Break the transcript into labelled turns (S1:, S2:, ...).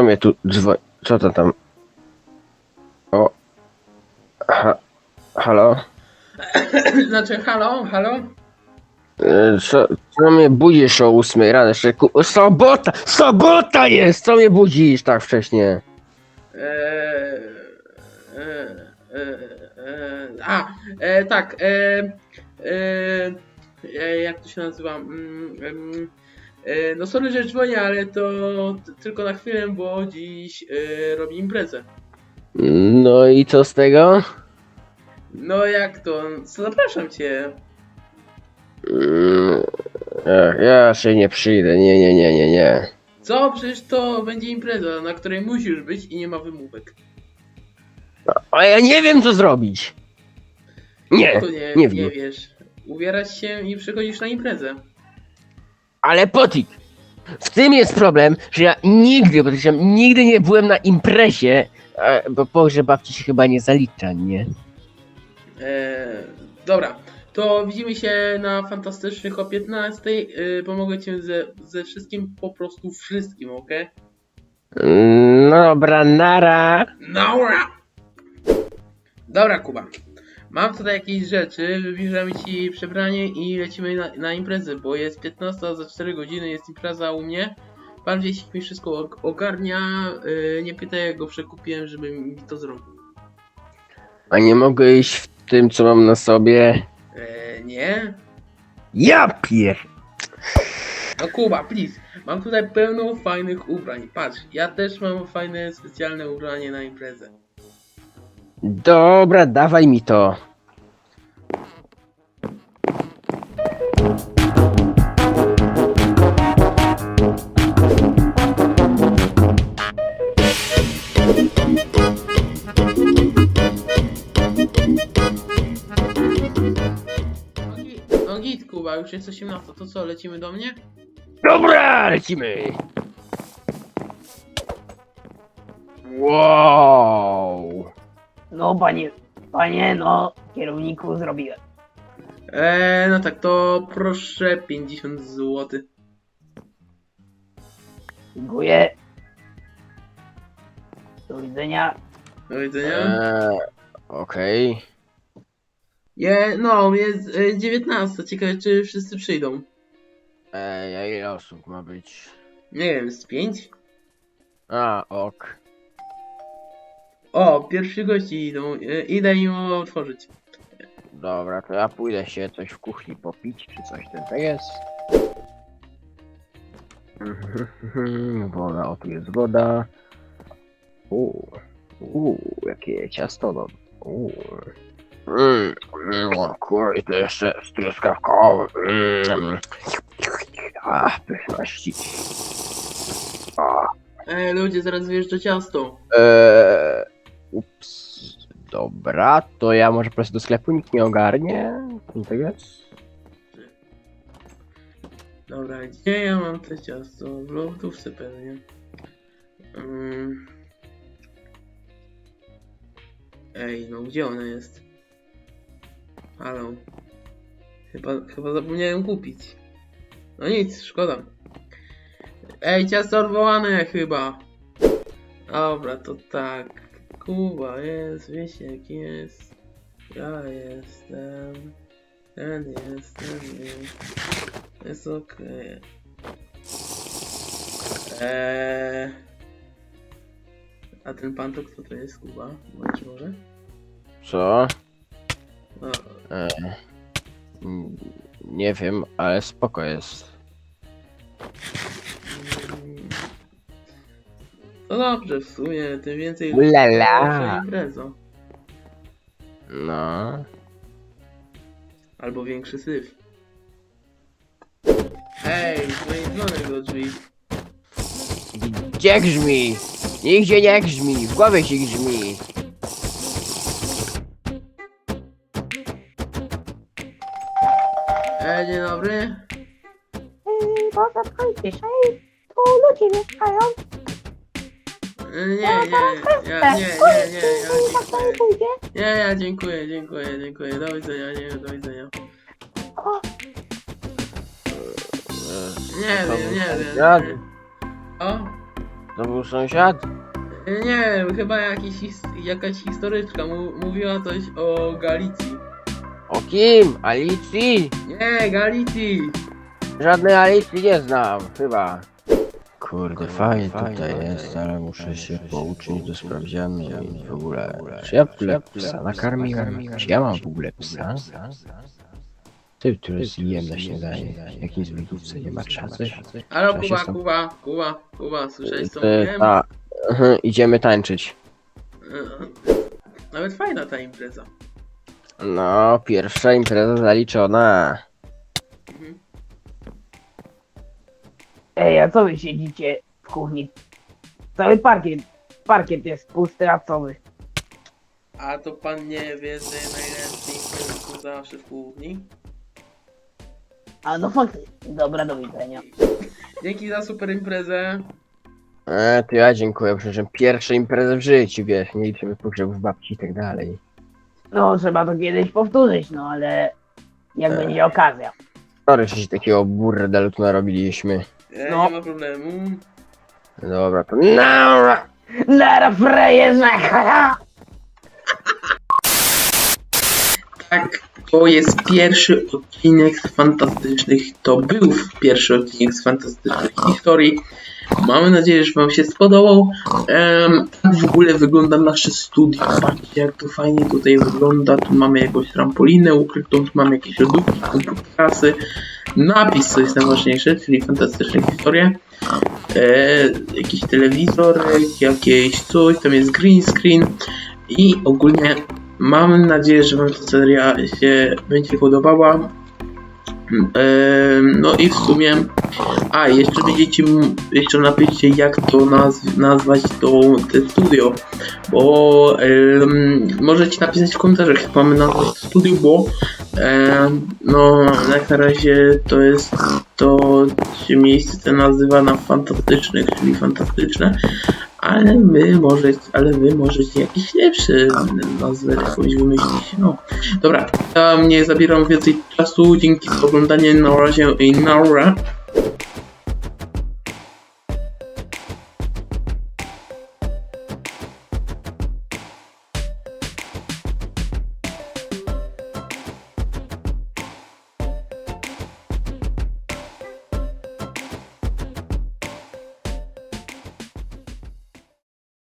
S1: mnie tu dzwoni? Co to tam? O. Halo?
S2: Znaczy, halo, halo?
S1: Co mnie budzisz o 8 rano? Jeszcze sobota! Sobota jest! Co mnie budzisz tak wcześnie?
S2: Eee, tak, jak to się nazywa? No sorry, że dzwonię, ale to tylko na chwilę, bo dziś robię imprezę.
S1: No i co z tego?
S2: No jak to? Zapraszam cię.
S1: Mm, ja się nie przyjdę, nie.
S2: Co? Przecież to będzie impreza, na której musisz być i nie ma wymówek.
S1: A ja nie wiem co zrobić. Nie,
S2: To
S1: nie
S2: nie
S1: wiem.
S2: wiesz. Ubierasz się i przychodzisz na imprezę.
S1: Ale Potik, w tym jest problem, że ja nigdy nie byłem na imprezie, bo pogrzeb babci się chyba nie zalicza, nie?
S2: Dobra, to widzimy się na Fantastycznych o 15. Pomogę ci ze wszystkim, po prostu wszystkim, ok?
S1: No dobra, nara.
S2: Dobra! Dobra, Kuba. Mam tutaj jakieś rzeczy, wybierzemy ci przebranie i lecimy na imprezę, bo jest 15, za 4 godziny jest impreza u mnie. Pan Wiesik mi wszystko ogarnia, nie pytaj jak go przekupiłem, żeby mi to zrobił.
S1: A nie mogę iść w tym, co mam na sobie?
S2: Nie?
S1: Ja pier...
S2: No Kuba, please. Mam tutaj pełno fajnych ubrań. Patrz, ja też mam fajne, specjalne ubranie na imprezę.
S1: Dobra, dawaj mi to.
S2: No git, Kuba, już jest 18. To co, lecimy do mnie?
S1: Dobra, lecimy. Wow.
S3: No panie, no kierowniku zrobiłem.
S2: No tak, to proszę 50 zł.
S3: Dziękuję. Do widzenia.
S2: Do widzenia.
S1: Okej.
S2: No, jest 19. Ciekawe, czy wszyscy przyjdą.
S1: A ile osób ma być?
S2: Nie wiem, z 5?
S1: A, ok.
S2: O, pierwsi gości idą. Idę im otworzyć.
S1: Dobra, to ja pójdę się coś w kuchni popić, czy coś ten jest. Woda, o tu jest woda. Jakie ciasto no. Kurde, to jeszcze z truskawką. Pyszności.
S2: Ludzie, zaraz wjeżdża ciasto.
S1: Ups. Dobra, to ja może po prostu do sklepu nikt nie ogarnie. Tak jest.
S2: Dobra, gdzie ja mam te ciasto? W lodówce pewnie. Ej, no gdzie ona jest? Halo. Chyba zapomniałem kupić. No nic, szkoda. Ej, ciasto odwołane chyba. Dobra, to tak. Kuba jest, Wiesiek jest. Ja jestem. Ten jest. Jest okej. A ten pan to kto to jest, Kuba? Bądź może?
S1: Co?
S2: No,
S1: Nie wiem, ale spoko jest.
S2: no dobrze, w sumie, tym więcej
S1: Ulala.
S2: impreza.
S1: No.
S2: Albo większy syf. Hej, dzwoni dzwonek do drzwi.
S1: Gdzie grzmi? Nigdzie nie grzmi, w głowie się grzmi.
S2: Dzień dobry.
S3: To zatkajcie się, tu ludzie mieszkają.
S2: Nie, ja dziękuję. Do widzenia, do widzenia.
S3: O,
S2: Nie wiem.
S1: Ja-
S2: O?
S1: To był sąsiad?
S2: Nie, chyba jakaś historyczka mówiła coś o Galicji.
S1: O kim? Alicji?
S2: Nie, Galicji!
S1: Żadnej Alicji nie znam, chyba. Kurde, fajnie tutaj jest, ale muszę się pouczyć do sprawdzianu i w ogóle. Czy ja w ogóle psa nakarmiłem? Czy ja mam w ogóle psa? Ty, który zjem na śniadanie. W jakiej zbiegówce nie ma czasu?
S2: Halo,
S1: Trzeba się
S2: Kuba, słyszałeś co
S1: Ty,
S2: mówiłem?
S1: ta. Idziemy tańczyć.
S2: Nawet fajna ta impreza.
S1: No, pierwsza impreza zaliczona.
S2: Mhm.
S3: Ej, a co wy siedzicie w kuchni? Cały parkiet jest pusty, a co wy?
S2: A to pan nie wie, że najlepiej są zawsze w kuchni?
S3: A no faktycznie. Dobra, do widzenia.
S2: Dzięki za super imprezę.
S1: To ja dziękuję, przecież pierwsza impreza w życiu, wiesz, nie liczymy pogrzebów babci i tak dalej.
S3: No, trzeba to kiedyś powtórzyć, no ale jak będzie okazja.
S1: Sorry, że się takiego burdelu tu narobiliśmy.
S3: No.
S2: Nie ma problemu.
S1: Dobra, to naura!
S3: Lara frajerze!
S2: Tak, to jest pierwszy odcinek z fantastycznych. To był pierwszy odcinek z fantastycznych historii. Mamy nadzieję, że wam się spodobał. Tak w ogóle wygląda nasze studio. Patrzcie, jak to fajnie tutaj wygląda. Tu mamy jakąś trampolinę ukrytą, tu mamy jakieś lodówki, komputerasy. Napis, co jest najważniejsze, czyli fantastyczne historie. Jakiś telewizor, jakieś coś, tam jest green screen i ogólnie mam nadzieję, że wam ta seria się będzie podobała. No i w sumie jeszcze napiszcie, jak to nazwać te studio, bo możecie napisać w komentarzach, jak mamy nazwać to studio, bo no jak na razie to się miejsce to nazywa na fantastycznych, czyli fantastyczne, ale wy możecie jakieś lepsze nazwy jakąś wymyślić. No dobra, ja nie zabieram więcej czasu, dzięki za oglądanie, na razie i naura.